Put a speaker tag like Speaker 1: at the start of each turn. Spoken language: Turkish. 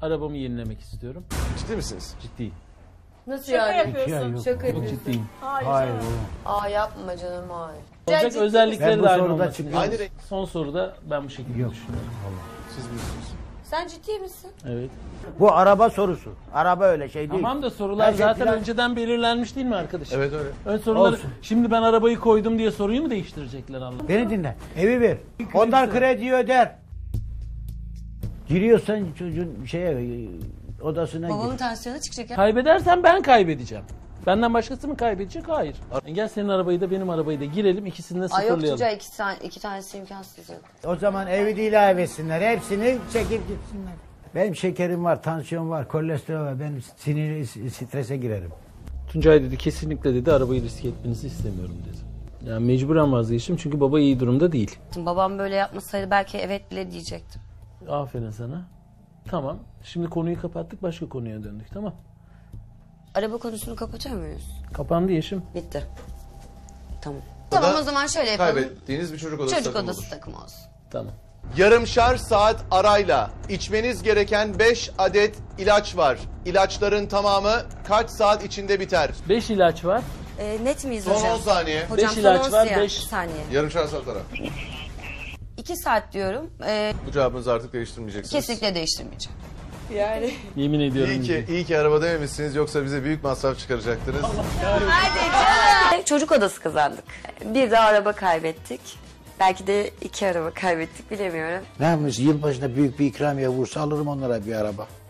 Speaker 1: Arabamı yenilemek istiyorum.
Speaker 2: Ciddi misiniz?
Speaker 1: Ciddiyim.
Speaker 3: Nasıl
Speaker 4: Şaka
Speaker 3: yani?
Speaker 4: yapıyorsun.
Speaker 3: Şaka
Speaker 1: Çok
Speaker 3: yapıyorsun.
Speaker 1: ciddiyim.
Speaker 4: Hayır.
Speaker 3: Aa yapma canım hayır.
Speaker 1: Olacak
Speaker 3: ciddi
Speaker 1: özellikleri
Speaker 5: Ben bu
Speaker 1: de aynı
Speaker 5: soruda
Speaker 1: olması
Speaker 5: çıkıyorum.
Speaker 1: lazım.
Speaker 2: Aynı renk.
Speaker 1: Son soruda ben bu şekilde düşünüyorum.
Speaker 2: Siz bilirsiniz.
Speaker 3: Sen ciddi misin?
Speaker 1: Evet.
Speaker 5: Bu araba sorusu. Araba öyle şey değil.
Speaker 1: Tamam da sorular
Speaker 5: Her şey
Speaker 1: zaten
Speaker 5: plan-
Speaker 1: önceden belirlenmiş değil mi arkadaşım?
Speaker 2: Evet öyle.
Speaker 1: Ön soruları,
Speaker 5: Olsun.
Speaker 1: şimdi ben arabayı koydum diye soruyu mu değiştirecekler Allah?
Speaker 5: Beni dinle. Evi ver. Ondan kredi öder. Giriyorsan çocuğun odasına
Speaker 3: Babamın
Speaker 5: gir.
Speaker 3: tansiyonu çıkacak ya.
Speaker 1: Kaybedersen ben kaybedeceğim. Benden başkası mı kaybedecek? Hayır. Gel senin arabayı da benim arabayı da girelim, ikisini de
Speaker 3: Ay yok
Speaker 1: sıfırlayalım.
Speaker 3: çocuğa iki tanesi imkansız yok.
Speaker 5: O zaman evi de ilave etsinler. Hepsini çekip gitsinler. Benim şekerim var, tansiyon var, kolesterol var. Ben sinir, strese girerim.
Speaker 1: Tuncay dedi kesinlikle dedi arabayı riske etmenizi istemiyorum dedi. Yani mecburen vazgeçtim çünkü baba iyi durumda değil.
Speaker 3: Babam böyle yapmasaydı belki evet bile diyecektim.
Speaker 1: Aferin sana. Tamam. Şimdi konuyu kapattık, başka konuya döndük, tamam.
Speaker 3: Araba konusunu kapatıyor muyuz?
Speaker 1: Kapandı Yeşim.
Speaker 3: Bitti. Tamam. Tamam o zaman şöyle yapalım.
Speaker 2: Kaybettiğiniz bir çocuk odası
Speaker 3: Çocuk
Speaker 2: takımı
Speaker 3: odası
Speaker 2: olur.
Speaker 3: takımı olsun.
Speaker 1: Tamam.
Speaker 2: Yarımşar saat arayla içmeniz gereken 5 adet ilaç var. İlaçların tamamı kaç saat içinde biter?
Speaker 1: 5 ilaç var.
Speaker 3: Net miyiz
Speaker 2: Son
Speaker 3: hocam?
Speaker 2: 10 saniye.
Speaker 3: Hocam
Speaker 1: Beş
Speaker 3: son
Speaker 1: ilaç
Speaker 3: 10
Speaker 1: var,
Speaker 3: saniye.
Speaker 1: 5
Speaker 3: saniye.
Speaker 2: Yarımşar saat ara.
Speaker 3: 2 saat diyorum.
Speaker 2: Bu cevabınızı artık değiştirmeyeceksiniz.
Speaker 3: Kesinlikle değiştirmeyeceğim.
Speaker 1: Yemin ediyorum.
Speaker 2: İyi ki araba dememişsiniz, yoksa bize büyük masraf çıkaracaktınız.
Speaker 3: Çocuk odası kazandık. Bir de araba kaybettik. Belki de 2 araba kaybettik bilemiyorum.
Speaker 5: Ne yapmış? Yılbaşında büyük bir ikramiye vursa alırım onlara bir araba.